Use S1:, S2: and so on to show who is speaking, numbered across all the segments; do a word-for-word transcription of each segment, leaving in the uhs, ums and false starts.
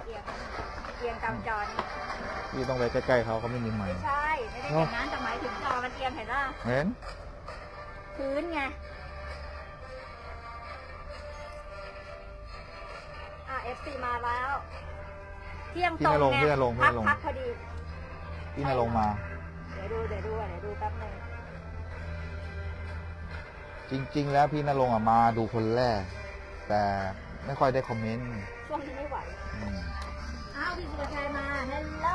S1: อียงเอียงตามจอนี่
S2: พี่ต้องไปใกล้ๆเขาเขาไม่มีไม้
S1: ไม่ใช่ไม่ได้อย่างนั้นแต่หมายถึงจอมันเอียงเห็นป่ะ
S2: เห็น
S1: พื้นไงอ่ะ เอฟ ซี มาแล้ว เที่ยง
S2: พี่
S1: ตรง
S2: นรงค์
S1: ไง
S2: พี่นรงค์พี่
S1: พั
S2: นรงค์
S1: พักพอดี
S2: พี่นรงค์มา
S1: เดี๋ยวดูเดี๋ยวดูเดี๋ยวดูแป๊บนึง
S2: จริง ๆ แล้วพี่นรงค์อะมาดูคนแรก แต่ไม่ค่อยได้คอมเมนต์
S1: ช่วงนี้ไม่ไหว
S2: อืม
S1: อ้าวพี่สุภชัยมาฮัลโหล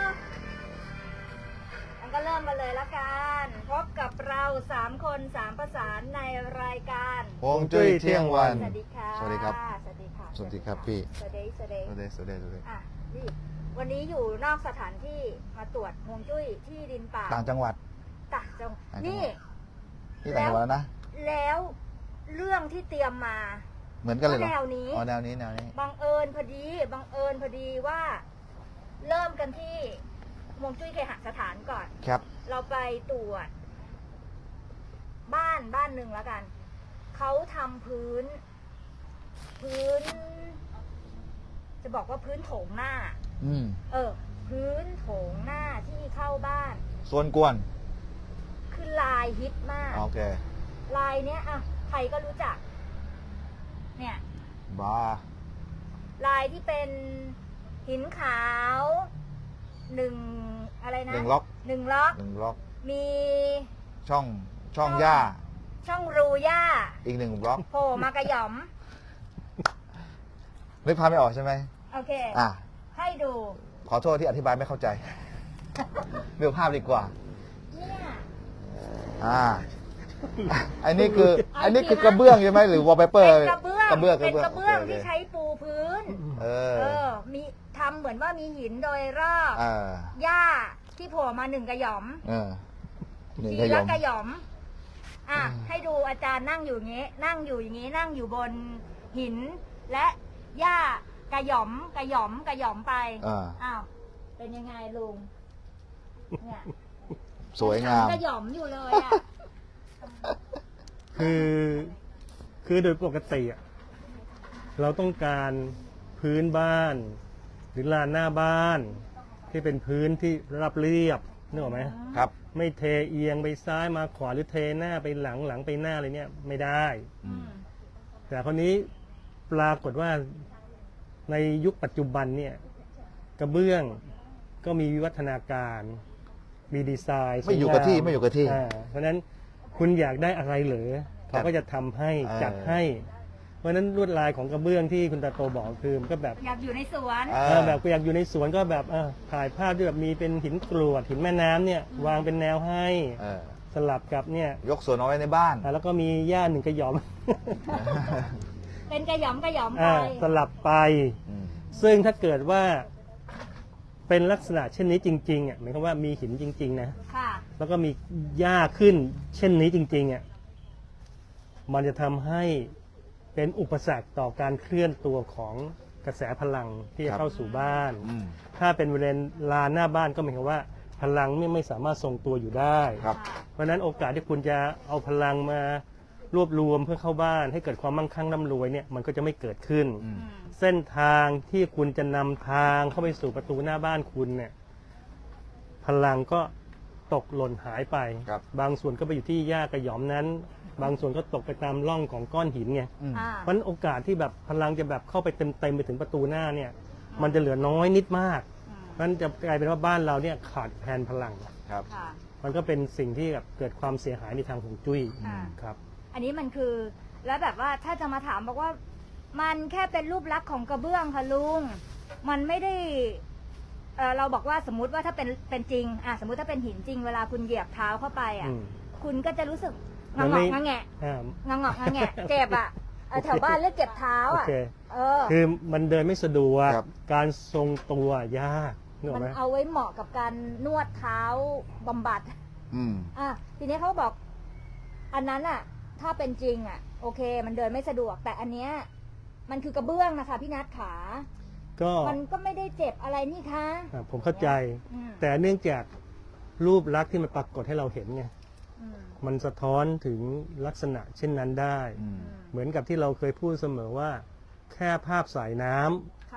S1: งั้นก็เริ่มกันเลยละกันพบกับเราสามคนสามประสานในรายการ
S2: ฮวงจุ้ยเที่ยงวัน
S1: สวัสดีค่ะ
S2: สวัสดีครับ
S1: สวัสดีค่ะ
S2: สวัสดีครับพี่
S1: สวัสดีสวัสดี
S2: สวัสดีสวัสดีสวัสดี
S1: อ่ะนี่วันนี้อยู่นอกสถานที่มาตรวจฮวงจุ้ยที่ดินป่า
S2: ต่างจังหวัด
S1: ต่างจัง
S2: ต่างจังหวัด
S1: นี่
S2: ที่ต่างจังหวัดแล้วนะ
S1: แล้วเรื่องที่เตรียมมา
S2: เหมือนกันเลยเหรอ
S1: แนวนี้
S2: อ๋อแนวนี้แนวนี้
S1: บังเอิญพอดีบังเอิญพอดีว่า เริ่มกันที่ฮวงจุ้ยเคหสถานก่อน
S2: ครับ
S1: เราไปตรวจ บ้านบ้านหนึ่งแล้วกัน เขาทำพื้น พื้น จะบอกว่าพื้นโถงหน้า
S2: อืม
S1: เออ พื้นโถงหน้าที่เข้าบ้าน
S2: ส่วนกวน
S1: คือลายฮิตมาก
S2: โอเค
S1: ลายเนี้ยอ่ะใครก็รู้จัก เนี่ย
S2: บ้า
S1: ลายที่เป็นหินขาวหนึ่งอะไรนะ
S2: หนึ่งล็อก
S1: หนึ่งล็อก
S2: หนึ่งล็อก
S1: มี
S2: ช่องช่องหญ้า
S1: ช่องรูหญ้า
S2: อีกหนึ่งบล็อก
S1: โผล่มากระหย่อม
S2: นึกภาพไม่ออกใช่ไหม
S1: โอเค
S2: อ่ะ
S1: ให้ดู
S2: ขอโทษที่อธิบายไม่เข้าใจ ดูภาพดีกว่า
S1: เนี่ย
S2: อ่า อันนี้คือ อันนี้คือกระเบื้องใช่ไหมหรือวอลเปเปอร์
S1: เป็นกระเบื้อง
S2: กระเบื้อง
S1: เป็นกระเบื้อง
S2: โค
S1: ที่ใช้ปูพื้น
S2: เออ
S1: เออ มีทำเหมือนว่ามีหินโดยรอบ
S2: อ่า
S1: หญ้าที่โผล่มาหนึ่งกระหย่อม
S2: เออหนึ่ง
S1: ที
S2: ขย
S1: ละ
S2: ม
S1: กระหย่อม อ่ะ
S2: อืม
S1: ให้ดูอาจารย์นั่งอยู่อย่างงี้ นั่งอยู่อย่างงี้ นั่งอยู่บนหิน และหญ้ากระหย่อม กระหย่อม กระหย่อมไป
S2: อ่า
S1: อ้าว เป็นยังไงลุง เนี่ย
S2: สวยงาม
S1: กระหย่อมอยู่เลยอ่ะ
S3: คือคือโดยปกติอะเราต้องการพื้นบ้าน หรือลานหน้าบ้าน ที่เป็นพื้นที่ราบเรียบนึกออกไหม
S2: ครับ
S3: ไม่เทเอียงไปซ้ายมาขวาหรือเทหน้าไปหลังหลังไปหน้าอะไรเนี่ยไม่ได้
S2: อืม
S3: แต่คนนี้ปรากฏว่าในยุคปัจจุบันเนี่ยกระเบื้องก็มีวิวัฒนาการมีดีไซน์
S2: ไม่อยู่กับที่
S3: สวงา
S2: ไม่อยู่กับที่
S3: าเพราะฉะนั้นคุณอยากได้อะไรเหรอเขาก็จะทำให้
S2: เออ
S3: จัดให้ เพราะฉะนั้นลวดลายของกระเบื้องที่คุณตาโตบอกคือมันก็แบบ
S1: อยากอยู่ในสวน
S2: อ่า
S3: เออแบบอยากอยู่ในสวนก็แบบเออถ่ายภาพที่แบบมีเป็นหินกรวดหินแม่น้ำเนี่ยวางเป็นแนวให้
S2: เออ
S3: สลับกับเนี่ย
S2: ยกสวนเอาไว้ในบ้าน
S3: อ่าแล้วก็มีหญ้าหนึ่งกระหย่อม
S1: เป็นกระหย่อมกระหย่อมไป
S3: อ่าสลับไป
S2: อืม
S3: ซึ่งถ้าเกิดว่าเป็นลักษณะเช่นนี้จริงๆอ่ะหมายความว่ามีหินจริง ๆ นะ
S1: ค่ะ
S3: แล้วก็มีหญ้าขึ้น เช่นนี้จริงๆอ่ะมันจะทำให้เป็นอุปสรรคต่อการเคลื่อนตัวของกระแสพลังที่จะเข้าสู่บ้าน
S2: อืม
S3: ถ้าเป็นบริเวณลานหน้าบ้านก็หมายความว่าพลังไม่ไม่สามารถทรงตัวอยู่ได้
S2: ครับ
S3: เพราะฉะนั้นโอกาสที่คุณจะเอาพลังมารวบรวมเพื่อเข้าบ้าน ให้เกิดความมั่งคั่งร่ำรวยเนี่ยมันก็จะไม่เกิดขึ้น
S2: อืม
S1: อืม
S3: เส้นทางที่คุณจะนำทางเข้าไปสู่ประตูหน้าบ้านคุณเนี่ยพลังก็ตกหล่นหายไป
S2: ครับ
S3: บางส่วนก็ไปอยู่ที่หญ้ากระหย่อมนั้น บางส่วนก็ตกไปตามร่องของก้อนหินไง
S2: อืม
S1: อ่า
S3: เพราะฉะนั้นโอกาสที่แบบพลังจะแบบเข้าไปเต็มๆไปถึงประตูหน้าเนี่ยมันจะเหลือน้อยนิดมาก
S1: อืม
S3: เพราะฉะนั้นจะกลายเป็นว่าบ้านเราเนี่ยขาดแคลนพลัง
S2: ครับ
S1: ค่ะ
S3: มันก็เป็นสิ่งที่แบบเกิดความเสียหายในทางฮวงจุ้ย
S1: อ่า
S3: ครับ
S1: อันนี้มันคือ แล้วแบบว่าถ้าจะมาถามบอกว่า มันแค่เป็นรูปลักษณ์ของกระเบื้องค่ะลุง มันไม่ได้เอ่อเราบอกว่าสมมุติว่าถ้าเป็นเป็นจริงอ่ะสมมุติถ้าเป็นหินจริงเวลาคุณเหยียบเท้าเข้าไปอ่ะ
S3: อืม
S1: คุณก็จะรู้สึก
S3: มั
S1: งะ
S3: น
S1: ง
S3: ไม่
S1: อกงะแงะ
S3: อ่า
S1: งะงอกงะแงะเจ็บอ่ะเออแถวบ้านเรียกเจ็บเท้า
S3: โอ
S1: อ่ะ
S3: เค
S1: เออ
S3: คือมันเดินไม่สะดวก
S2: ครับ
S3: การทรงตัวยากนึกอ
S1: มั
S3: อก
S1: น
S3: ไหม
S1: เอาไว้เหมาะกับการนวดเท้าบำบัด
S2: อืม
S1: อ่ะทีนี้เขาบอก อันนั้นอ่ะ ถ้าเป็นจริงอ่ะ โอเค มันเดินไม่สะดวก แต่อันเนี้ยมันคือกระเบื้องนะคะพี่นัทขา
S3: ก็
S1: มันก็ไม่ได้เจ็บอะไรนี่คะ
S3: อ่าผมเข้าใจ
S1: อืม
S3: แต่เนื่องจากรูปลักษณ์ที่มันปรากฏให้เราเห็นไง
S1: อืม
S3: มันสะท้อนถึงลักษณะเช่นนั้นได้
S2: อืม
S1: อืม
S3: เหมือนกับที่เราเคยพูดเสมอว่า แค่ภาพสายน้ำ
S1: ค่ะ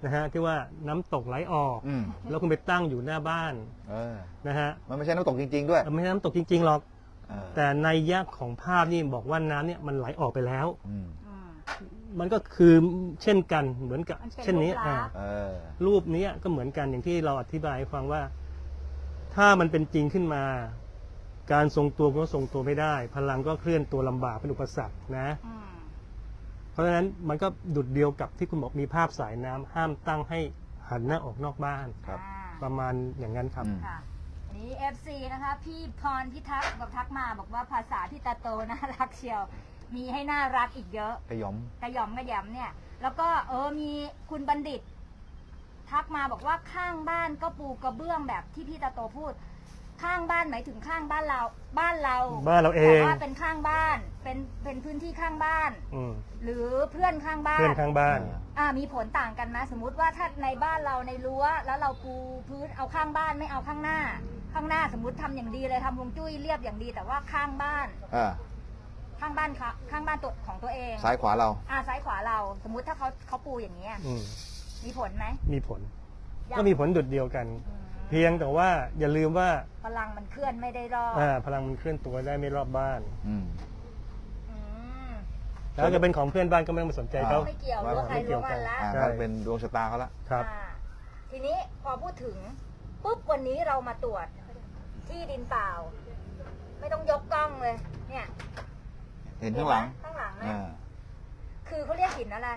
S3: นะฮะที่ว่าน้ำตกไหลออก
S2: อืม
S3: แล้วคุณไปตั้งอยู่หน้าบ้าน
S2: เออ
S3: นะฮะ
S2: มันไม่ใช่น้ำตกจริง ๆ ด้วย
S3: ไม่ใช่น้ำตกจริงๆหรอก
S2: เออ
S3: แต่ในยะของภาพนี่บอกว่าน้ำเนี่ยมันไหลออกไปแล้ว
S2: อืม
S1: อืม
S3: มันก็คือเช่นกันเหมือนกับ
S1: มันเป็น
S3: เช่นนี้
S1: รูปลักษณ์
S3: อ่า
S2: เออ
S3: รูปนี้ก็เหมือนกันอย่างที่เราอธิบายให้ฟังว่า ถ้ามันเป็นจริงขึ้นมา การทรงตัวก็ทรงตัวไม่ได้ พลังก็เคลื่อนตัวลำบากเป็นอุปสรรคนะ
S1: อืม
S3: เพราะฉะนั้นมันก็ดุดเดียวกับที่คุณบอกมีภาพสายน้ำห้ามตั้งให้หันหน้าออกนอกบ้าน
S2: ครับ
S1: อ่า
S3: ประมาณอย่างนั้นครับ
S2: อืม
S1: ค่ะอันนี้ เอฟ ซี นะคะ พี่พรพิทักษ์บอกทักมาบอกว่าภาษาที่ตาโตน่ารักเชียว มีให้น่ารักอีกเยอะ
S2: ขยม
S1: กระหย่อมกระหยำเนี่ย แล้วก็เออมีคุณบัณฑิต ทักมาบอกว่าข้างบ้านก็ปูกระเบื้องแบบที่พี่ตาโตพูด ข้างบ้านหมายถึงข้างบ้านเรา บ้านเรา
S3: บ้านเราเอง
S1: แต่ว่าเป็นข้างบ้าน เป็นเป็นพื้นที่ข้างบ้าน
S3: อืม
S1: หรือเพื่อนข้างบ้าน
S3: เพื่อนข้างบ้าน
S1: อ่ามีผลต่างกันไหมสมมุติว่าถ้าในบ้านเราในรั้วแล้วเราปูพื้นเอาข้างบ้านไม่เอาข้างหน้า ข้างหน้าสมมติทำอย่างดีเลยทำฮวงจุ้ยเรียบอย่างดี แต่ว่าข้างบ้าน
S2: อ่า
S1: ข้างบ้านค่ะข้างบ้านตัวของตัวเอง
S2: ซ้ายขวาเรา
S1: อ่าซ้ายขวาเรา สมมุติถ้าเขาเขาปูอย่างนี้ย
S3: อืม
S1: มีผลไหม
S3: มีผล
S1: ยัง
S3: ก็มีผลดุดเดียวกัน
S1: อืม
S3: เพียงแต่ว่าอย่าลืมว่า
S1: พลังมันเคลื่อนไม่ได้รอบ
S3: อ่าพลังมันเคลื่อนตัวได้ไม่รอบบ้าน
S2: อืม
S1: อืม
S3: แล้วจะเป็นของเพื่อนบ้านก็ไม่ต้องไปสนใจเขา
S1: ไม่เกี่ยว
S2: ว่า
S1: รั้วใคร
S3: ไม่เกี่
S1: รั้
S3: ยว ว
S1: มันละ
S2: อ่า
S3: ใช่
S2: ถ้าเป็นดวงชะตาเขาละ
S3: ครับ
S1: อ่าทีนี้พอพูดถึงปุ๊บวันนี้เรามาตรวจที่ดินเปล่า ไม่ต้องยกกล้องเลย เนี่ย
S2: เห็นข้างหลัง
S1: ข้างหลังนะ
S2: อ่า
S1: คือเขาเรียกหินอะไร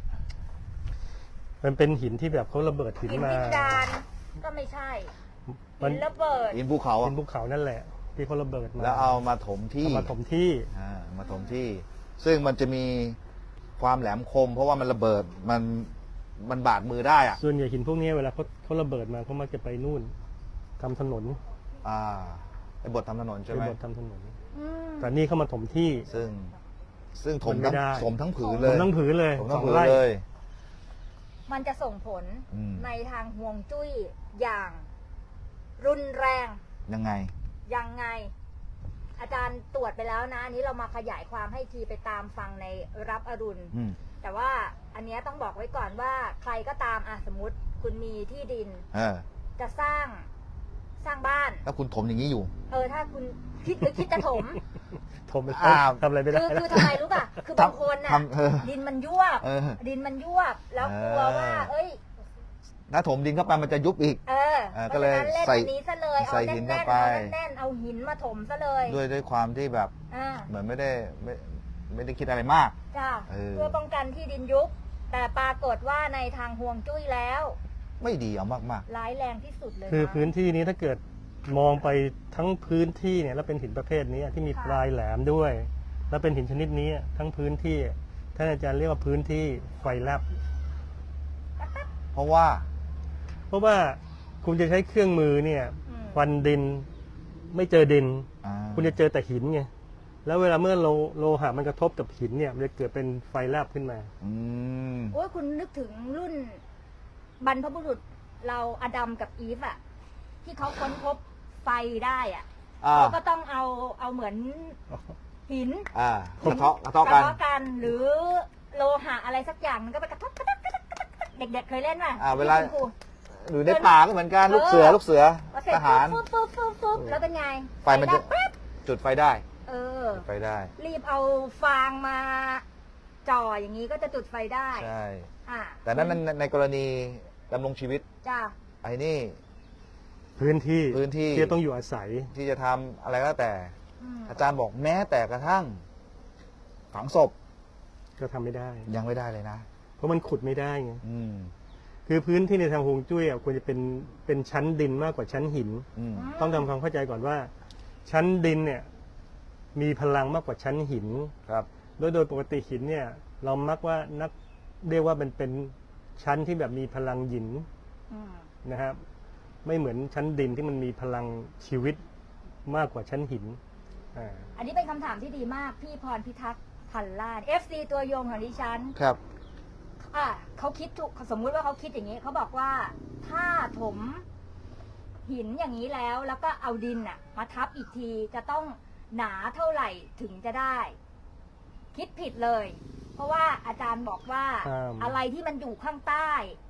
S3: มันเป็นหินที่แบบเขาระเบิดหิน
S1: หิน
S3: มา
S1: ดินดานก็ไม่ใช่
S3: มั
S1: หิ
S3: น
S1: นระเบิด
S2: หินภูเขา
S3: หิ
S2: อะ
S3: นภูเขานั่นแหละ ที่เขาระเบิดมา
S2: แล้วเอามาถมที่
S3: เอามาถมที่
S2: อ่ามาถมที่ ซึ่งมันจะมีความแหลมคม เพราะว่ามันระเบิดมันมันบาดมือได้อ่ะ
S3: ส่วนใหญ่หินพวกนี้เวลาเขาเขาระเบิดมาเขามักจะไปนู่นทำถนน
S2: อ่าไอ้บททำถนนใช่
S3: ไป
S2: ไหม
S3: บดทำถนน
S1: อืม
S3: แต่นี่เขามาถมที่
S2: ซึ่ง ซึ่งถม
S3: มันไม่
S2: ทั้ง
S3: ได้
S2: ถมทั้งผืน
S3: ถ
S2: เลย
S3: มทั้งผืนเลย
S2: ถม
S3: ส
S2: ทั้
S3: อง ง
S2: ผืน
S3: ไร่
S2: เลย
S1: มันจะส่งผล
S2: อืม
S1: ในทางห่วงจุ้ยอย่าง รุนแรง
S2: ยังไง
S1: ยังไง อาจารย์ตรวจไปแล้วนะอันนี้เรามาขยายความให้ทีไปตามฟังในรับอรุณ
S2: อืม
S1: แต่ว่าอันเนี้ยต้องบอกไว้ก่อนว่าใครก็ตามอ่ะสมมติคุณมีที่ดิน
S2: เออ
S1: จะสร้างสร้างบ้าน
S2: ถ้าคุณถมอย่างนี้อยู่
S1: เออถ้าคุณคิดหรือคิดจะถม
S3: ถมไป
S2: อ่า
S3: ทำอะไรไม่ได้
S1: คือ
S3: แล้ว
S1: คือทำไมรู้ป่ะ คือบางคนน่ะ
S2: ทำเออ
S1: ดินมันยวบ
S2: เออ
S1: ดินมันยวบ แล้วกลัวว่า
S2: เออ
S1: เอ้ย
S2: ถ้าถมดินเข้าไปมันจะยุบอีก
S1: เออ
S2: เออ
S1: เพ
S2: ก็
S1: ราะ
S2: เลย
S1: ฉะนั้นเล่น
S2: ใส่
S1: อันนี้ซะเลย เอา
S2: ใส่หิ
S1: แน่
S2: น
S1: น
S2: เข้า
S1: ๆ
S2: ไป
S1: เอาแน่นๆเอาหินมาถมซะเลย
S2: ด้วยด้วยความที่แบบ
S1: อ่า
S2: เหมือนไม่ได้ไม่ไม่ได้คิดอะไรมาก
S1: จ้า
S2: เออ
S1: เพื่อป้องกันที่ดินยุบ แต่ปรากฏว่าในทางห่วงจุ้ยแล้ว
S2: ไม่ดีเอามาก
S1: ร้ายแรงที่สุดเลย
S3: คือ
S1: นะ
S3: พื้นที่นี้ถ้าเกิดมองไปทั้งพื้นที่เนี่ยแล้วเป็นหินประเภทนี้ที่มี
S1: ค่ะ
S3: ปลายแหลมด้วย แล้วเป็นหินชนิดนี้ทั้งพื้นที่ท่านอาจารย์เรียกว่าพื้นที่ไฟแลบ
S2: ๆ เพราะว่า
S3: เพราะว่าคุณจะใช้เครื่องมือเนี่ย
S1: อืม
S3: ฟันดินไม่เจอดิน
S2: อ่า
S3: คุณจะเจอแต่หินไงแล้วเวลาเมื่อโลโลหะมันกระทบกับหินเนี่ยมันจะเกิดเป็นไฟแลบขึ้นมา
S2: อืม
S1: โอ้ยคุณนึกถึงรุ่นบรรพบุรุษเราอดัมกับอีฟอะที่เขาค้นพบไฟได้อะ
S2: อ่า
S1: เขาก็ต้องเอาเอาเหมือนหิน
S2: อ่ากระเทาะกระ
S1: ก
S2: เทาะ
S1: ระ
S2: กัน
S1: เทาะกันหรือโลหะอะไรสักอย่างมันก็ไปกระทบกระทบกระทบกระทบเด็กๆเคยเล่นป่ะ
S2: อ่าเวลา
S1: ที่คุณครู
S2: หรือในป่าก็เหมือนกัน ลูกเสือ ลูกเสือ
S1: พอเสร็จ
S2: ทหาร
S1: ปุ๊บปุ๊บปุ๊บปุ๊บแล้วเป็นไง
S2: ไฟมันจะ
S1: ดับปั๊บ
S2: จุดไฟได้
S1: เออ
S2: จุดไฟได้
S1: รีบเอาฟางมาจ่ออย่างนี้ก็จะจุดไฟได้
S2: ใช่
S1: อ่า
S2: แต่นั้นในในกรณีดำรงชีวิต
S1: จ้า
S2: ไอ้นี่
S3: พื้นที่
S2: พื้นที่
S3: ที่ต้องอยู่อาศัย
S2: ที่จะทำอะไรก็แล้วแต่
S1: อืม
S2: อาจารย์บอกแม้แต่กระทั่ง ฝังศพ
S3: ก็ทำไม่ได้
S2: ยังไม่ได้เลยนะ
S3: เพราะมันขุดไม่ได้ไง
S2: อืม
S3: คือพื้นที่ในทางฮวงจุ้ยอ่ะควรจะเป็นเป็นชั้นดินมากกว่าชั้นหิน
S2: อืม
S3: ต้องทำความเข้าใจก่อนว่า ชั้นดินเนี่ยมีพลังมากกว่าชั้นหิน
S2: ครับ
S3: โดยโดยปกติหินเนี่ย เรามักว่านักเรียกว่ามันเป็นชั้นที่แบบมีพลังหยิน
S1: อืม
S3: นะครับ ไม่เหมือนชั้นดินที่มันมีพลังชีวิตมากกว่าชั้นหินอ่า
S1: อันนี้เป็นคำถามที่ดีมากพี่พรพิทักษ์พันล้าน เอฟ ซี ตัวยงของดิฉัน
S2: ครับ
S1: อ่ะเขาคิดถูกสมมุติว่าเขาคิดอย่างนี้เขาบอกว่าถ้าถมหินอย่างนี้แล้ว แล้วก็เอาดินน่ะ มาทับอีกทีจะต้องหนาเท่าไหร่ถึงจะได้ คิดผิดเลย เพราะว่าอาจารย์บอกว่า
S3: ครับ
S1: อะไรที่มันอยู่ข้างใต้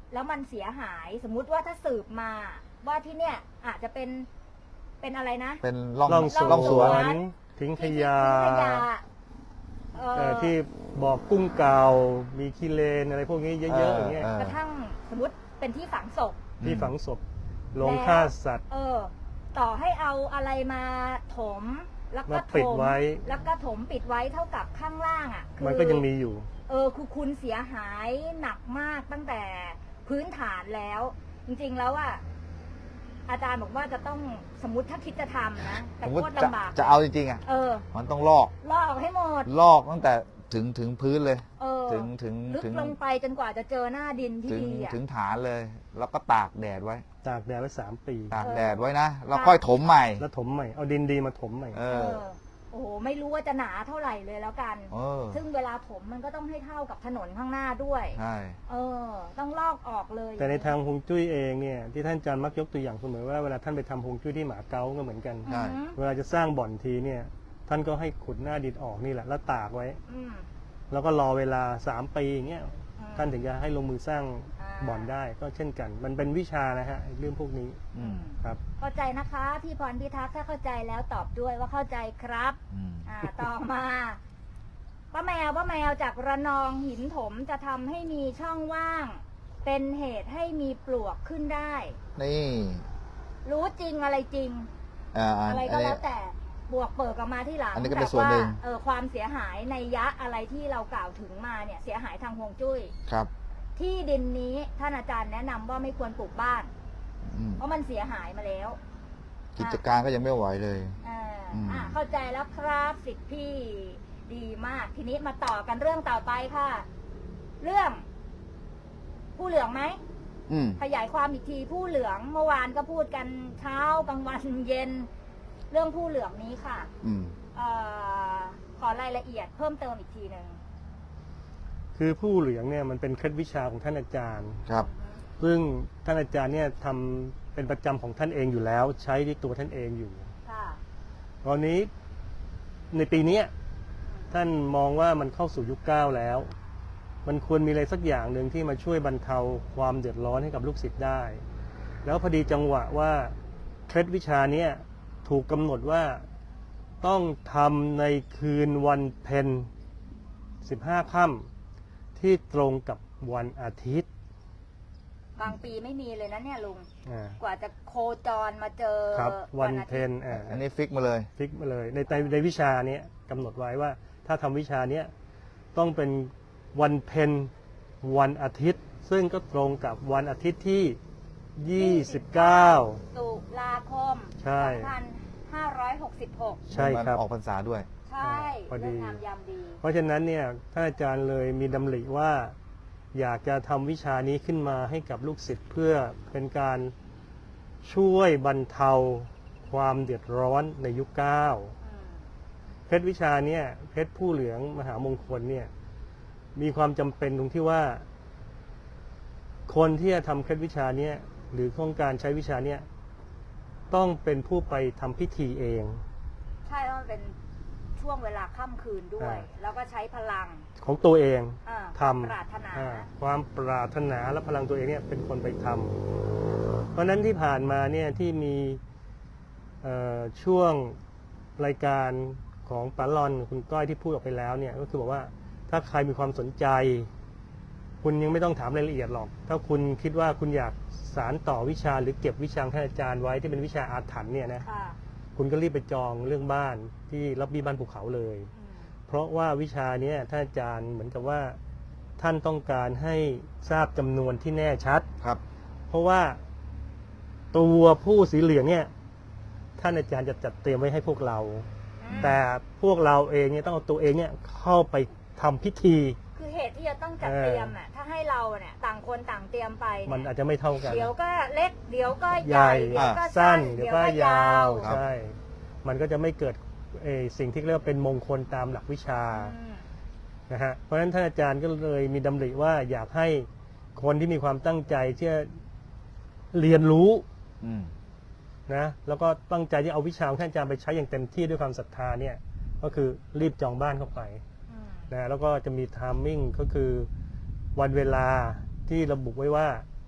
S1: แล้วมันเสียหายสมมุติว่าถ้าสืบมาว่าที่เนี่ยอาจจะเป็นเป็นอะไรนะ
S2: เป็นร่อง
S3: ร่องส
S2: ร่องส
S3: ว
S2: วน
S3: นทิ้งข
S1: ที่
S3: ยะ
S1: ทิ้งขยะเอ่อ
S3: เอ่อที่บอกกุ้งเก่ามีขี้เลนอะไรพวกนี้เยอะๆอย่างเงี้ย
S2: เออ
S1: กระทั่งสมมติเป็นที่ฝังศพ
S3: ที่ฝังศพลง
S1: แล้ว
S3: ฆ่าสัตว์
S1: เออ ต่อให้เอาอะไรมาถม แล้วก็
S3: มาปิ
S1: ถ
S3: ด
S1: ม
S3: ไว้
S1: แล้วก็ถมปิดไว้เท่ากับข้างล่างอ่ะคือ
S3: มันก็ยังมีอยู่
S1: เออคือคุณเสียหายหนักมากตั้งแต่พื้นฐานแล้ว จริงๆแล้วอ่ะอาจารย์บอกว่าจะต้องสมมติถ้าคิดจะทำนะ
S2: ส
S1: แต่
S2: มม
S1: โค
S2: ติ
S1: ตร
S2: จะ
S1: ลำบาก
S2: จะเอาจริงๆอ่ะ
S1: เออ
S2: มันต้องลอก
S1: ลอกออกให้หมด
S2: ลอกตั้งแต่ถึงถึงพื้นเลย
S1: เออ
S2: ถึงถึง
S1: ลึก
S2: ถึง
S1: ลงไปจนกว่าจะเจอหน้าดินที่
S2: ถึง
S1: ดีอ่ะ
S2: ถึงฐานเลย แล้วก็ตากแดดไว้
S3: ตากแดดไว้สามปี
S2: ตาก
S1: เออ
S2: แดดไว้นะแล้วค่อยถมใหม่
S3: แล้วถมใหม่เอาดินดีมาถมใหม่
S2: เอ
S1: เอ
S2: อ
S1: อ โอ้โหไม่รู้ว่าจะหนาเท่าไหร่เลยแล้วกัน
S2: เออ
S1: ซึ่งเวลาถมมันก็ต้องให้เท่ากับถนนข้างหน้าด้วย
S2: ใช่
S1: เออ ต้องลอกออกเลย
S3: แต่ในทางฮวงจุ้ยเองเนี่ยที่ท่านอาจารย์มักยกตัวอย่างเสมอว่าเวลาท่านไปทำฮวงจุ้ยที่หมาเก๊าก็เหมือนกัน
S1: อือหือ
S3: เวลาจะสร้างบ่อนทีเนี่ยท่านก็ให้ขุดหน้าดินออกนี่แหละแล้วตากไว้
S1: อืม
S3: แล้วก็รอเวลาสามปีอย่างเงี้ย
S1: อืม
S3: ท่านถึงจะให้ลงมือสร้าง
S1: อ่า
S3: บ่อนได้ก็เช่นกัน มันเป็นวิชานะฮะไอ้เรื่องพวกนี้
S2: อืม
S3: ครับ
S1: เข้าใจนะคะพี่พรพิทักษ์ถ้าเข้าใจแล้วตอบด้วยว่าเข้าใจครับ
S2: อืม
S1: อ่า ต่อมาป้าแมวป้าแมวจากระนองหินถมจะทำให้มีช่องว่าง เป็นเหตุให้มีปลวกขึ้นได้
S2: นี่
S1: รู้จริงอะไรจริง
S2: อ่าอัน
S1: อะไรก็
S2: อัน
S1: แล้
S2: นี้
S1: วแต่บวกเปิดออกมาที่หลัง
S2: อันนี้ก็เป็น
S1: แต่
S2: ส่วนหนึ่ง
S1: เออความเสียหายในยะอะไรที่เรากล่าวถึงมาเนี่ย เสียหายทางฮวงจุ้ย
S2: ครับ
S1: ที่ดินนี้ท่านอาจารย์แนะนำว่าไม่ควรปลูกบ้าน
S2: อืม
S1: เพราะมันเสียหายมาแล้ว
S2: กิจการก็ยังไม่ไหวเลย
S1: อ่า
S2: อืม
S1: อ่าเข้าใจแล้วครับสิทธิพี่ดีมาก ทีนี้มาต่อกันเรื่องต่อไปค่ะ เรื่อง ผู้เหลืองไหม
S2: อืม
S1: ขยายความอีกทีผู้เหลืองเมื่อวานก็พูดกันเช้ากลางวันเย็น เรื่องผู้เหลืองนี้ค่ะ
S2: อืม
S1: เออขอรายละเอียดเพิ่มเติมอีกทีหนึ่ง
S3: คือผู้เหลืองเนี่ยมันเป็นเคล็ดวิชาของท่านอาจารย์
S2: ครับ
S3: ซึ่งท่านอาจารย์เนี่ยทำเป็นประจำของท่านเองอยู่แล้ว ใช้ที่ตัวท่านเองอยู่
S1: ค่ะ
S3: ตอนนี้ในปีเนี้ยท่านมองว่ามันเข้าสู่ยุคเก้าแล้ว มันควรมีอะไรสักอย่างหนึ่งที่มาช่วยบรรเทาความเดือดร้อนให้กับลูกศิษย์ได้ แล้วพอดีจังหวะว่าเคล็ดวิชาเนี้ยถูกกำหนดว่าต้องทำในคืนวันเพ็ญสิบห้าค่ำที่ตรงกับวันอาทิตย์
S1: บางปีไม่มีเลยนะเนี่ยลุง
S3: อ่า
S1: กว่าจะโคจรมาเจอ
S3: ครับวัน
S1: อา
S3: เพ็
S1: ทิต
S3: ญ
S1: ย์
S3: อ่า
S2: อันนี้ฟิกมาเลย
S3: ฟิกมาเลยในในในวิชาเนี้ยกำหนดไว้ว่าถ้าทำวิชาเนี้ยต้องเป็นวันเพ็ญวันอาทิตย์ ซึ่งก็ตรงกับวันอาทิตย์ที่ยี่สิบเก้า
S1: ตุลาคม
S3: ใช่
S1: สองพันห้าร้อยหกสิบหก
S3: ใช่ครับ
S2: มันออกพรรษาด้วย
S1: ใช่
S3: พอดี
S1: เรื่องงามยามดี
S3: เพราะฉะนั้นเนี่ยท่านอาจารย์เลยมีดำริว่าอยากจะทำวิชานี้ขึ้นมาให้กับลูกศิษย์เพื่อเป็นการช่วยบรรเทาความเดือดร้อนในยุคเก้า
S1: อืม
S3: เพชรวิชาเนี่ยเพชรผู้เหลืองมหามงคลเนี่ยมีความจำเป็นตรงที่ว่า คนที่จะทำเพชรวิชาเนี่ยหรือโครงการใช้วิชาเนี่ยต้องเป็นผู้ไปทำพิธีเอง
S1: ใช่เพราะมันเป็นช่วงเวลาค่ำคืนด้วย
S3: อ่า
S1: แล้วก็ใช้พลัง
S3: ของตัวเอง
S1: อ่า
S3: ท
S1: ปรารถนา
S3: ำอ่าความปรารถนาและพลังตัวเองเนี่ยเป็นคนไปทำเพราะฉะนั้นที่ผ่านมาเนี่ยที่มีเอ่อช่วงรายการของปาลอนคุณก้อยที่พูดออกไปแล้วเนี่ยก็คือบอกว่าถ้าใครมีความสนใจ คุณยังไม่ต้องถามรายละเอียดหรอก ถ้าคุณคิดว่าคุณอยากสารต่อวิชาหรือเก็บวิชาของท่านอาจารย์ไว้ที่เป็นวิชาอาถรรพ์เนี่ยนะ
S1: ค่ะ
S3: คุณก็รีบไปจองเรื่องบ้านที่รับบี้บ้านภูเขาเลย
S1: อืม
S3: เพราะว่าวิชาเนี้ท่านอาจารย์เหมือนกับว่าท่านต้องการให้ทราบจำนวนที่แน่ชัด
S2: ครับ
S3: เพราะว่าตัวผู้สีเหลืองเนี่ยท่านอาจารย์จะจัดเตรียมไว้ให้พวกเรา
S1: อืม
S3: แต่พวกเราเองเนี่ยต้องเอาตัวเองเนี่ยเข้าไปทำพิธี
S1: คือเหตุที่จะต้องจัดเตรียมอ่ะถ้าให้เราเนี่ยต่างคนต่างเตรียมไปเย
S3: มันอาจจะไม่เท่ากัน
S1: เดี๋ยวก็เล็ก เดี๋ยวก็ให
S3: ให
S1: ญ่
S3: ญ่
S1: เดี๋ยวก็
S3: สั้
S1: สั้
S3: น
S1: น
S3: เดี๋ยวก็ยาว
S2: ครับ
S3: ใช่ มันก็จะไม่เกิดเอ่อสิ่งที่เรียกว่าเป็นมงคลตามหลักวิชา
S1: อืม
S3: นะฮะเพราะฉะนั้นท่านอาจารย์ก็เลยมีดำริว่าอยากให้คนที่มีความตั้งใจที่จะเรียนรู้
S2: อืม
S3: นะแล้วก็ตั้งใจที่เอาวิชาของท่านอาจารย์ไปใช้อย่างเต็มที่ด้วยความศรัทธาเนี่ยก็คือรีบจองบ้านเข้าไป
S1: อืม
S3: นะแล้วก็จะมีไทมิ่งก็คือวันเวลาที่ระบุไว้ว่า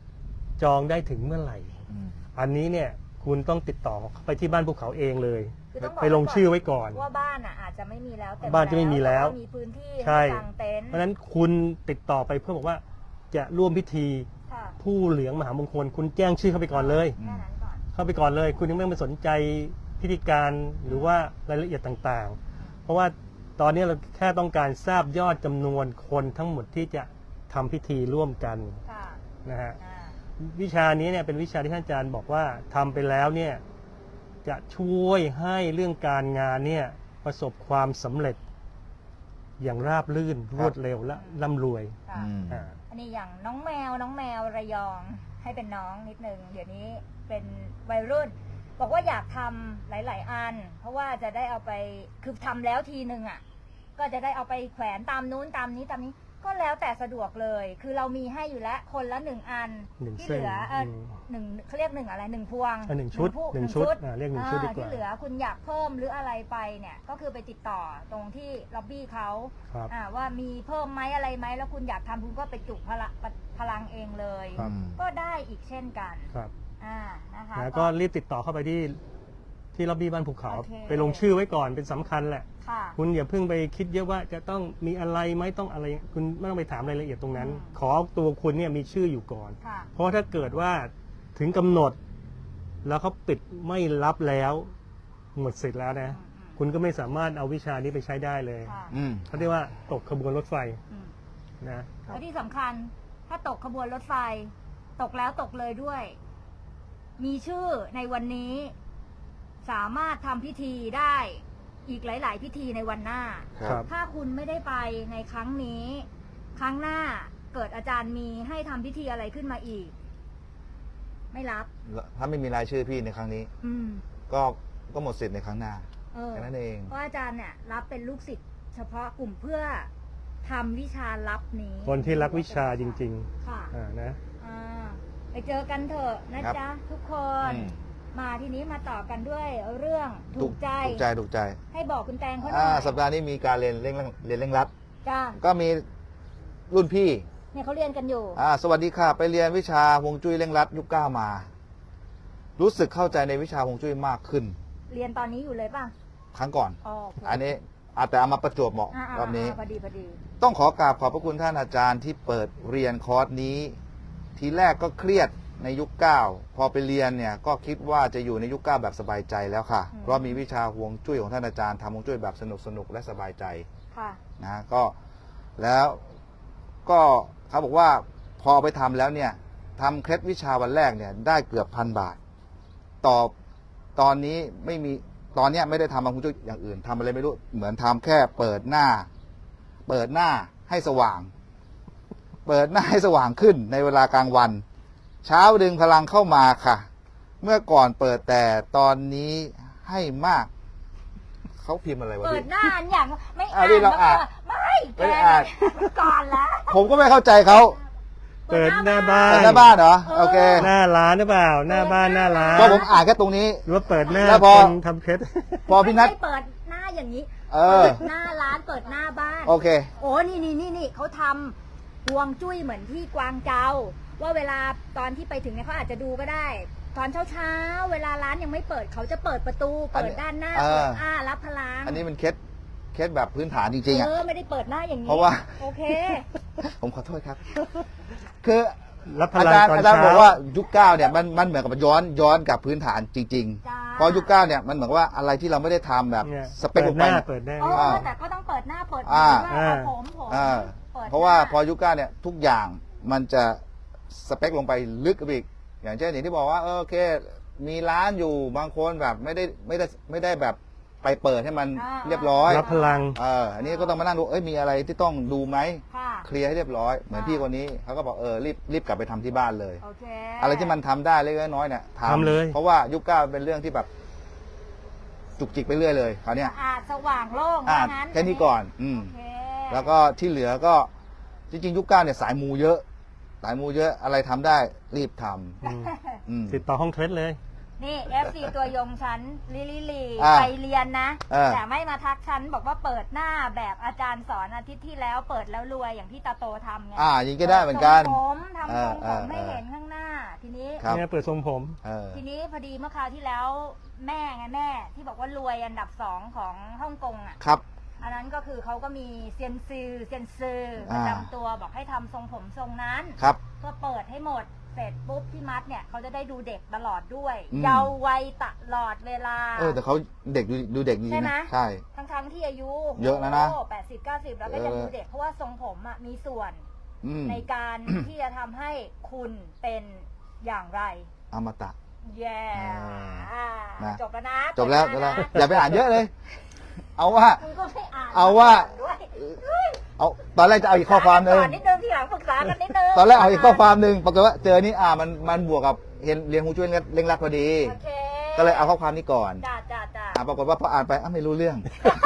S3: จองได้ถึงเมื่อไหร่
S2: อืม
S3: อันนี้เนี่ยคุณต้องติดต่อไปที่บ้านภูเขาเองเลย
S1: คือต้องบอก
S3: ไปลงชื่อไว้ก่อน
S1: ว่าบ้านอ่ะอาจจะไม่มีแล้วเต็ม
S3: บ้านจะไม่มีแล้ว
S1: ต่ามีพื้นที่
S3: ใช่
S1: ให้กางเต็นท์
S3: เพราะฉะนั้นคุณติดต่อไปเพื่อบอกว่าจะร่วมพิธี
S1: ค่ะ
S3: ผู้เหลืองมหามงคล คุณแจ้งชื่อเข้าไปก่อนเลย
S1: แค่นั้นก่อน
S3: เข้าไปก่อนเลย คุณยังไม่มาสนใจพิธีการหรือว่ารายละเอียดต่างๆ เพราะว่าตอนนี้เราแค่ต้องการทราบยอดจำนวนคนทั้งหมดที่จะทำพิธีร่วมกัน
S1: ค่ะ
S3: นะฮะ
S1: อ่า
S3: วิชานี้เนี่ยเป็นวิชาที่ท่านอาจารย์บอกว่าทำไปแล้วเนี่ยจะช่วยให้เรื่องการงานเนี่ยประสบความสำเร็จอย่างราบรื่นรวดเร็วและร่ำรวย
S1: ค่ะ
S2: อืม
S3: อ่า
S1: อันนี้อย่างน้องแมวน้องแมวระยองให้เป็นน้องนิดนึงเดี๋ยวนี้เป็นวัยรุ่น บอกว่าอยากทำหลาย ๆ อัน เพราะว่าจะได้เอาไปคือทำแล้วทีนึงอ่ะก็จะได้เอาไปแขวนตามนู้นตามนี้ตามนี้ก็แล้วแต่สะดวกเลย คือเรามีให้อยู่แล้วคนละหนึ่งอัน
S3: หนึ่ง
S1: ที่
S3: เส้
S1: เห
S3: น
S1: ลือเออ
S3: อืม
S1: หนึ่งเขาเรียกหนึ่งอะไรหนึ่งพวง
S3: อ่ะหนึ่งชุด
S1: ผู้
S3: หนึ่งชุดอ่ะเรียกหนึ่งชุดดีกว่า
S1: ที่เหลือคุณอยากเพิ่มหรืออะไรไปเนี่ยก็คือไปติดต่อตรงที่ล็อบบี้เขา
S3: ครับ
S1: อ่าว่ามีเพิ่มไหมอะไรไหมแล้วคุณอยากทำคุณก็ไปจุพลังพลังเองเลย
S3: ครับ
S1: ก็ได้อีกเช่นกัน
S3: ครับ
S1: อ่านะคะ
S3: แล้วก็รีบติดต่อเข้าไปที่ที่ล็อบบี้บ้านภูเขา
S1: โอเค
S3: ไปลงชื่อไว้ก่อนเป็นสำคัญแหละ
S1: ค่ะ
S3: คุณอย่าเพิ่งไปคิดเยอะว่าจะต้องมีอะไรไหมต้องอะไร คุณไม่ต้องไปถามรายละเอียดตรงนั้น
S1: อืม
S3: ขอตัวคุณเนี่ยมีชื่ออยู่ก่อน
S1: ค่ะ
S3: เพราะถ้าเกิดว่าถึงกำหนด แล้วเขาปิดไม่รับแล้วหมดสิทธิ์แล้วนะ
S1: อืมอืม
S3: คุณก็ไม่สามารถเอาวิชานี้ไปใช้ได้เลย
S1: ค่ะ
S2: อืม
S3: เขาเรียกว่าตกขบวนรถไฟ
S1: อืม
S3: นะ
S1: แล้วที่สำคัญถ้าตกขบวนรถไฟ ตกแล้วตกเลยด้วย มีชื่อในวันนี้ สามารถทำพิธีได้อีกหลาย ๆ พิธีในวันหน้า
S2: ครับ
S1: ถ้าคุณไม่ได้ไปในครั้งนี้ ครั้งหน้าเกิดอาจารย์มีให้ทำพิธีอะไรขึ้นมาอีก ไม่รับ
S2: ถ้าไม่มีรายชื่อพี่ในครั้งนี้
S1: อืม
S2: ก็ก็หมดสิทธิ์ในครั้งหน้า
S1: เออ
S2: แค่นั้นเอง
S1: เพราะอาจารย์เนี่ย รับเป็นลูกศิษย์เฉพาะกลุ่มเพื่อทำวิชาลับนี้
S3: คนที่รักวิชาจริง
S1: ค่ะ
S3: ๆอ่านะ
S1: อ่าไปเจอกันเถอะนะครับ จ๊ะทุกคน
S2: อืม
S1: มาทีนี้มาต่อกันด้วยเรื่องถูกใจ
S2: ถูกใจถูกใจ
S1: ให้บอกคุณแตงเขาหน่
S2: อ่า
S1: อย
S2: สัปดาห์นี้มีการเรียนเร่งเรียนเร่งรัด
S1: จ้า
S2: ก็มีรุ่นพี่
S1: เนี่ยเขาเรียนกันอยู่
S2: อ่าสวัสดีค่ะ ไปเรียนวิชาฮวงจุ้ยเร่งรัดยุคเก้ามา รู้สึกเข้าใจในวิชาฮวงจุ้ยมากขึ้น
S1: เรียนตอนนี้อยู่เลยป่ะ
S2: ครั้งก่อน
S1: อ๋อโอเค
S2: อันนี้อาจแต่เอามาประจวบเหมาะ
S1: อ่าร
S2: อบนี้
S1: พอดีพอดี
S2: ต้องขอกราบขอบพระคุณท่านอาจารย์ที่เปิดเรียนคอร์สนี้ ทีแรกก็เครียดในยุคเก้าพอไปเรียนเนี่ยก็คิดว่าจะอยู่ในยุคเก้าแบบสบายใจแล้วค่ะ เพราะมีวิชาฮวงจุ้ยของท่านอาจารย์ทำฮวงจุ้ยแบบสนุกสนุกและสบายใจ
S1: ค่ะ
S2: นะก็แล้วก็เขาบอกว่าพอไปทำแล้วเนี่ยทำเคล็ดวิชาวันแรกเนี่ยได้เกือบพันบาท ต่อตอนนี้ไม่มีตอนเนี้ยไม่ได้ทำฮวงจุ้ยอย่างอื่นทำอะไรไม่รู้เหมือนทำแค่เปิดหน้า เปิดหน้าให้สว่าง เปิดหน้าให้สว่างขึ้นในเวลากลางวัน เช้าดึงพลังเข้ามาค่ะ เมื่อก่อนเปิดแต่ตอนนี้ให้มาก เขาพิมพ์อะไรวะ
S1: เปิด
S2: พี่
S1: หน้าอันอย่างไม่
S2: อ่ะ
S1: อ่าน
S2: นี่เรา
S1: แล้ว
S2: อ่า
S1: ก็
S2: น
S1: ไม่แก
S2: ไม่อ่าน
S1: ก่อนละ
S2: ผมก็ไม่เข้าใจเขา
S3: เปิดหน้าบ้าน
S2: เปิดหน้าบ้านเหรอ โอเค
S3: หน้าร้านหรือเปล่า หน้าบ้านหน้าร้าน
S2: ก็ผมอ่านแค่ตรงนี้
S3: หรือว่าเปิดหน้า
S2: แล้วพอ
S3: คนทำเคล็ด
S2: พอพี่นัท
S1: ไม่ใช่เปิดหน้าอย่างนี้
S2: เออ
S1: เปิดหน้าร้านเปิดหน้าบ้าน
S2: โอเค
S1: โอ้นี่นี่นี่นี่เขาทำฮวงจุ้ยเหมือนที่กวางเจาว่าเวลาตอนที่ไปถึงเนี่ยเขาอาจจะดูก็ได้ ตอนเช้าเช้าๆเวลาร้านยังไม่เปิดเขาจะเปิดประตู
S2: อัน
S1: เปิ
S2: นี้
S1: ดด้านหน้า
S2: เออ
S1: เปิดอ้ารับพลัง
S2: อันนี้มันเคล็ดเคล็ดแบบพื้นฐานจริงๆอ่ะ
S1: เออไม่ได้เปิดหน้าอย่างนี้
S2: เพราะว่า
S1: โอเค
S2: ผมขอโทษครับ คือ
S3: รับพ
S2: อา
S3: ลัง
S2: จารย์
S3: ตอน
S2: อาจารย์
S3: เช้า
S2: บอกว่ายุคเก้าเนี่ยมันมันเหมือนกับย้อนย้อนกับพื้นฐานจริง
S1: จ้า
S2: ๆเพราะยุคเก้าเนี่ยมันเหมือนกับว่าอะไรที่เราไม่ได้ทำแบบ
S3: เนี่ย
S2: สเปคลงไป
S3: หน้า
S2: เนี่ย
S3: เปิดหน้า
S1: เอ
S2: อ่า
S1: อแต่ก็ต้องเปิดหน้าเปิด
S2: อ่า
S1: หน้าผมผม
S2: อ่า
S1: ปิด
S2: เพราะว่า
S1: หน้
S2: พอยุคเก้าเนี่ยทุกอย่างมันจะสเปคลงไปลึกไปอีกอย่างเช่นอย่างที่บอกว่าเออโอเค มีร้านอยู่บางคนแบบไม่ได้ไม่ได้ไม่ได้แบบไปเปิดให้มัน
S1: อ่า
S2: เรียบร้อย
S3: รับพลัง
S2: เอออันนี้ก็ต้องมานั่งดูเอ้ยมีอะไรที่ต้องดูไหม
S1: ค่ะ
S2: เคลียร์ให้เรียบร้อยเหมือน
S1: อ่า
S2: พี่คนนี้เขาก็บอกเออรีบรีบกลับไปทำที่บ้านเลย
S1: โอเค
S2: อะไรที่มันทำได้เล็กๆน้อยๆเนี่ย
S3: ทำเลย
S2: เพราะว่ายุคเก้าเป็นเรื่องที่แบบจุกจิกไปเรื่อยเลยคราวเนี้ย
S1: สะอาดสว่างโล่ง
S2: อ่า
S1: ว่างั้น
S2: แค่นี้ก่อน อืม
S1: โอเค
S2: แล้วก็ที่เหลือก็จริงๆ ยุคเก้าเนี่ยสายมูเยอะ สายมูเยอะอะไรทำได้รีบทำ
S3: อืม
S2: อืม
S3: ติดต่อห้องเคล็ดเลย
S1: นี่ เอฟ ซี ตัวยงฉันลิลิลี
S2: อ่า
S1: ไปเรียนนะ
S2: เออ
S1: แต่ไม่มาทักฉันบอกว่าเปิดหน้าแบบอาจารย์สอนอาทิตย์ที่แล้วเปิดแล้วรวยอย่างที่ตาโตทำไง
S2: อ่ายิงก็ได้เหมือนกัน
S1: ทรงผมทำทรง
S2: เอ
S1: ผ
S2: อ
S1: ม
S2: เออ
S1: ไม่เห็นข้างหน้า ทีนี้
S2: ครับ
S3: เนี่ยเปิดทรงผม
S2: เออ
S1: ทีนี้พอดีเมื่อคราวที่แล้วแม่ไงแม่ที่บอกว่ารวยอันดับสองของฮ่องกงอ่ะ
S2: ครับ
S1: อันนั้นก็คือเขาก็มีเซียนซือเซียนซือป
S2: อ่า
S1: ระจำตัวบอกให้ทำทรงผมทรงนั้น
S2: ครับ
S1: เพื่อเปิดให้หมดเสร็จปุ๊บที่มัดเนี่ยเขาจะได้ดูเด็กตลอดด้วย
S2: อืม
S1: เยาว์วัยตลอดเวลา
S2: เออแต่เขาเด็กดูดูเด็กดี
S1: ใช่ไหม
S2: นะใช่
S1: ทั้งทั้งๆที่อายุ
S2: เยอะแล้วนะ
S1: แปดสิบเก้าสิบแล้วก็ยัง
S2: เออ
S1: ดูเด็กเพราะว่าทรงผมอ่ะมีส่วน
S2: อืม
S1: ในการ ที่จะทำให้คุณเป็นอย่างไร
S2: อมตะ
S1: แย่
S2: อ่านะ
S1: จบแล้วนะ
S2: จบแล้วจบแล้วอย่าไปอ่านเยอะเลย เอาว่า
S1: มึงก็ไม่อ่าน
S2: เอาว่า
S1: ด้วย
S2: เอาตอนแรกจะเอาอีกข้อความหนึ่ง
S1: ก่อนนิดนึงทีหลังปรึกษากันนิดนึง
S2: ตอนแรกเอาอีกข้อความหนึ่งปรากฏว่าเจอนี่อ่ามันมันบวกกับเรียนเรียนฮูช่วยเร่งรัดพอดี
S1: โอเค
S2: ก็เลยเอาข้อความนี้ก่อน
S1: จ้าจ้าจ้า
S2: อ่าปรากฏว่าพออ่านไปอ้าวไม่รู้เรื่อง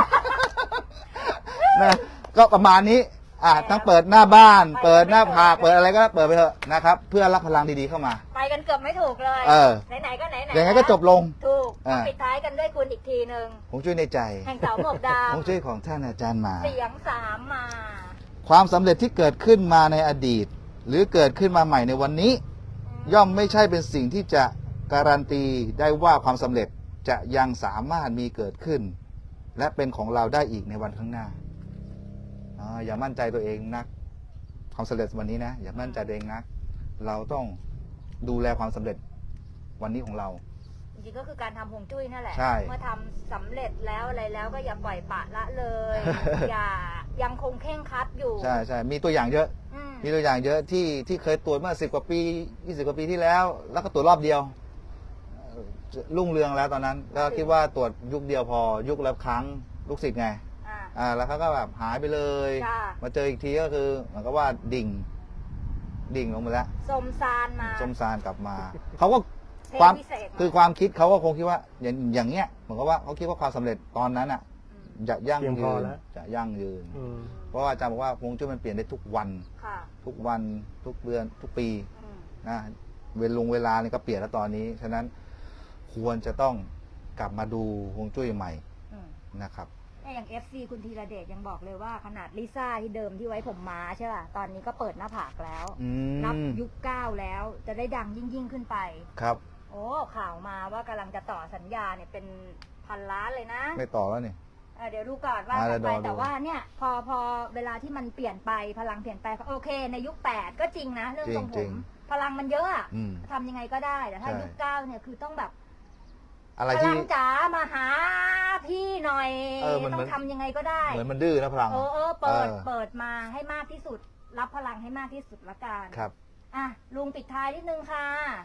S2: นะก็ประมาณนี้ อ่าทั้งเปิดหน้าบ้าน เปิดหน้าผากเปิดอะไรก็เปิดไปเถอะนะครับ เพื่อรับพลังดีๆเข้ามา
S1: ไปกันเกือบไม่ถูกเลย
S2: เออ
S1: ไหนๆก็ไหนๆ
S2: ยังไงก็จบลง
S1: ถูก
S2: อ่า
S1: ปิดท้ายกันด้วยคุณอีกทีหนึ่ง
S2: ผมช่วยในใจ
S1: แห่งเสาหมวกด
S2: ผมช่วยของท่านอาจารย์มา
S1: ำเสียงสามมา
S2: ความสำเร็จที่เกิดขึ้นมาในอดีต หรือเกิดขึ้นมาใหม่ในวันนี้ ย่อมไม่ใช่เป็นสิ่งที่จะการันตีได้ว่าความสำเร็จจะยังสามารถมีเกิดขึ้น และเป็นของเราได้อีกในวันข้างหน้าอ่าอย่ามั่นใจตัวเองนัก ความสำเร็จวันนี้นะอย่ามั่นใจตัวเองนัก เราต้องดูแลความสำเร็จวันนี้ของเรา
S1: จริงๆก็คือการทำฮวงจุ้ยนั่นแหละ
S2: ใช่
S1: เมื่อทำสำเร็จแล้วอะไรแล้วก็อย่าปล่อยปละละเลย อย่ายังคงเข่งครัดอยู่
S2: ใช่ใช่มีตัวอย่างเยอะ
S1: อืม
S2: มีตัวอย่างเยอะที่ที่เคยตรวจเมื่อสิบกว่าปียี่สิบกว่าปีที่แล้ว แล้วก็ตรวจรอบเดียวเอ่อรุ่งเรืองแล้วตอนนั้นก็คิดว่าตรวจยุคเดียวพอยุคละครั้งลูกศิษย์ไง
S1: อ่า
S2: อ่าแล้วเขาก็แบบหายไปเลย
S1: จ้ะ
S2: มาเจออีกทีก็คือเหมือนกับว่าดิ่ง ดิ่งลงไปแล้ว
S1: สมซานมา
S2: ส้มซานกลับมา เขาก็
S1: เท
S2: ความ
S1: พิเศษ
S2: คือความคิดเขาก็คงคิดว่าอย่างอย่างเงี้ยเหมือนกับว่าเขาคิดว่าความสำเร็จตอนนั้นอ่ะ
S1: อืม
S2: จะยั่ง
S3: เพียงพ
S2: ยื
S3: อน แล้ว
S2: จะยั่งยืน
S3: อืม
S2: เพราะว่าอาจารย์บอกว่าฮวงจุ้ยมันเปลี่ยนได้ทุกวัน
S1: ค่ะ
S2: ทุกวันทุกเดือนทุกปี
S1: อืม
S2: นะเวลงเวลานี่ก็เปลี่ยนแล้วตอนนี้ฉะนั้นควรจะต้องกลับมาดูฮวงจุ้ยใหม่
S1: อืม
S2: นะครับ
S1: เนี่ยอย่าง เอฟ ซี คุณธีระเดชยังบอกเลยว่าขนาดลิซ่าที่เดิมที่ไว้ผมม้าใช่ป่ะ ตอนนี้ก็เปิดหน้าผากแล้ว
S2: อื
S1: นับ
S2: ม
S1: ยุคเก้าแล้วจะได้ดังยิ่งยิ่งๆขึ้นไป
S2: ครับ
S1: โอ้ข่าวมาว่ากำลังจะต่อสัญญาเนี่ยเป็นพันล้านเลยนะ
S2: ไม่ต่อแล้วนี่
S1: เอ่อเดี๋ยวดูก่อนว่า
S2: อ่า
S1: กันไป
S2: เดี๋ยวรอดู
S1: แต่ว่าเนี่ยพอพอเวลาที่มันเปลี่ยนไปพลังเปลี่ยนไปโอเค ในยุคแปดก็จริงนะเรื่องทรงผมพลังมันเยอะอะ
S2: อืม
S1: ทำยังไงก็ได้แต่ถ้า
S2: ใช่
S1: ยุคเก้าเนี่ยคือต้องแบบ
S2: อะไร
S1: พ
S2: ที่
S1: ลังจ๋ามาหาพี่หน่อย
S2: เออมัน
S1: ต้อ
S2: เหมือน
S1: งทำยังไงก็ได้
S2: เหมือนมันดื้อนะพลัง
S1: เออเออเปิด
S2: เออ
S1: เปิดมาให้มากที่สุด รับพลังให้มากที่สุดละกัน
S2: ครับ
S1: อ่ะลุงปิดท้ายนิดนึงค่ะ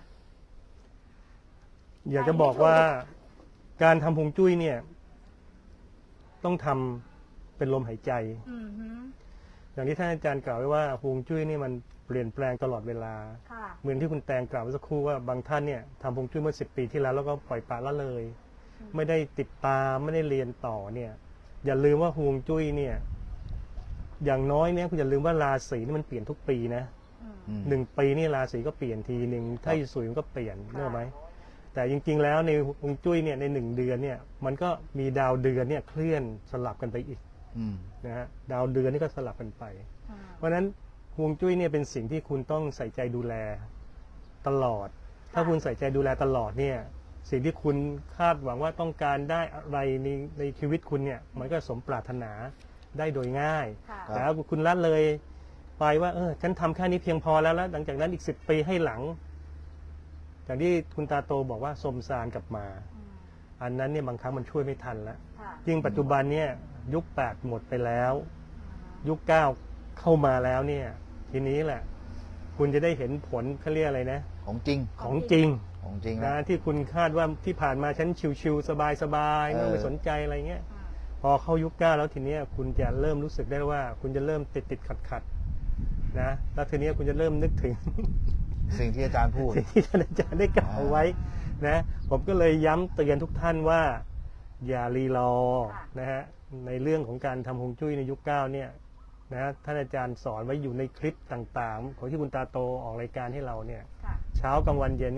S3: อยากจะบอกว่าการทำฮวงจุ้ยเนี่ย ต้องทำเป็นลมหายใจ
S1: อือหือ
S3: อย่างที่ท่านอาจารย์กล่าวไว้ว่าฮวงจุ้ยนี่มันเปลี่ยนแปลงตลอดเวลา
S1: ค่ะ
S3: เหมือนที่คุณแตงกล่าวเมื่อสักครู่ว่าบางท่านเนี่ยทำฮวงจุ้ยเมื่อสิบปีที่แล้วแล้วก็ปล่อยปละละเลย
S1: อืม
S3: ไม่ได้ติดตามไม่ได้เรียนต่อเนี่ย อย่าลืมว่าฮวงจุ้ยเนี่ย อย่างน้อยเนี่ยคุณอย่าลืมว่าราศีนี่มันเปลี่ยนทุกปีนะ
S1: อืม
S2: อืม
S3: หนึ่งปีนี่ราศีก็เปลี่ยนทีหนึ่งถ้าอยู่สวยมันก็เปลี่ยนเนกอะไหมแต่จริงๆแล้วในฮวงจุ้ยเนี่ยในหนึ่งเดือนเนี่ย มันก็มีดาวเดือนเนี่ยเคลื่อนสลับกันไปอีก
S2: อืม
S3: นะฮะดาวเดือนนี่ก็สลับกันไป
S1: อืม
S3: เพราะฉะนั้นฮวงจุ้ยเนี่ยเป็นสิ่งที่คุณต้องใส่ใจดูแลตลอด ถ้าคุณใส่ใจดูแลตลอดเนี่ย สิ่งที่คุณคาดหวังว่าต้องการได้อะไรในในชีวิตคุณเนี่ย มันก็สมปรารถนาได้โดยง่าย
S1: ค่ะ
S3: แต่ถ้าคุณละเลยไปว่าเออฉันทำแค่นี้เพียงพอแล้วแล้วหลังจากนั้นอีกสิบปีให้หลังอย่างที่คุณตาโตบอกว่าสมซานกลับมา
S1: อืม
S3: อันนั้นเนี่ยบางครั้งมันช่วยไม่ทันแล้ว
S1: ค่ะ
S3: ยิ่งปัจจุบันเนี่ยยุคแปดหมดไปแล้ว ยุคเก้าเข้ามาแล้วเนี่ย ทีนี้แหละ คุณจะได้เห็นผลเขาเรียกอะไรนะ
S2: ของจริง
S3: ของจริง
S2: ของจริง
S3: นะ
S2: นะ
S3: ที่คุณคาดว่าที่ผ่านมาฉันชิวๆสบายๆ
S2: เออ
S3: ไม่ต้องไปสนใจอะไรเงี้ย
S1: อืม
S3: พอเข้ายุคเก้าแล้วทีเนี้ยคุณจะเริ่มรู้สึกได้ว่า คุณจะเริ่มติดติดขัดขัดๆนะแล้วทีเนี้ยคุณจะเริ่มนึกถึง
S2: สิ่งที่อาจารย์พูด
S3: สิ่งที่ท่านอาจารย์ได้กล่าวไว้นะผมก็เลยย้ำเตือนทุกท่านว่า อย่ารีรอนะฮะในเรื่องของการทำฮวงจุ้ยในยุคเก้าเนี่ยนะท่านอาจารย์สอนไว้อยู่ในคลิปต่างๆ ของที่คุณตาโตออกรายการให้เราเนี่ย
S1: ค่ะ
S3: เช้ากลางวันเย็นเนี่ย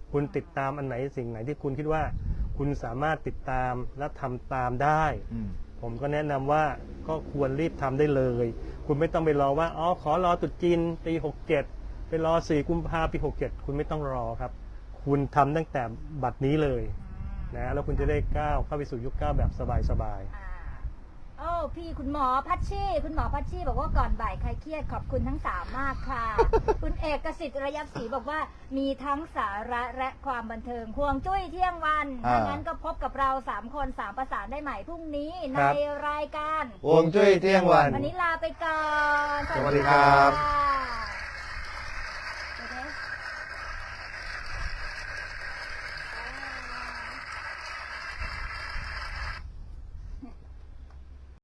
S3: คุณติดตามอันไหนสิ่งไหนที่คุณคิดว่า คุณสามารถติดตามและทำตามได้
S2: อืม
S3: ผมก็แนะนำว่าก็ควรรีบทำได้เลย คุณไม่ต้องไปรอว่าอ๋อขอรอตรุษจีนปีหกเจ็ดไปรอสี่กุมภาปีหกเจ็ดคุณไม่ต้องรอครับ คุณทำตั้งแต่บัดนี้เลยนะแล้วคุณจะได้ก้าวเข้าไปสู่ยุคก้าวแบบสบายๆ
S1: อ่าโอ้พี่คุณหมอพัชชีคุณหมอพัชชีบอกว่าก่อนบ่ายใครเครียดขอบคุณทั้งสามมากค่ะ คุณเอกสิทธิ์ระยับศรีบอกว่ามีทั้งสาระและความบันเทิงห่วงจุ้ยเที่ยงวัน
S2: อ่า
S1: ถ้างั้นก็พบกับเราสามคนสามประสานได้ใหม่พรุ่งนี้ใน
S3: ครับ
S1: รายการ
S2: ฮวงจุ้ยเที่ยงวัน
S1: วันนี้ลาไปก่อน
S2: สวัสดีครับ
S1: ค่ะ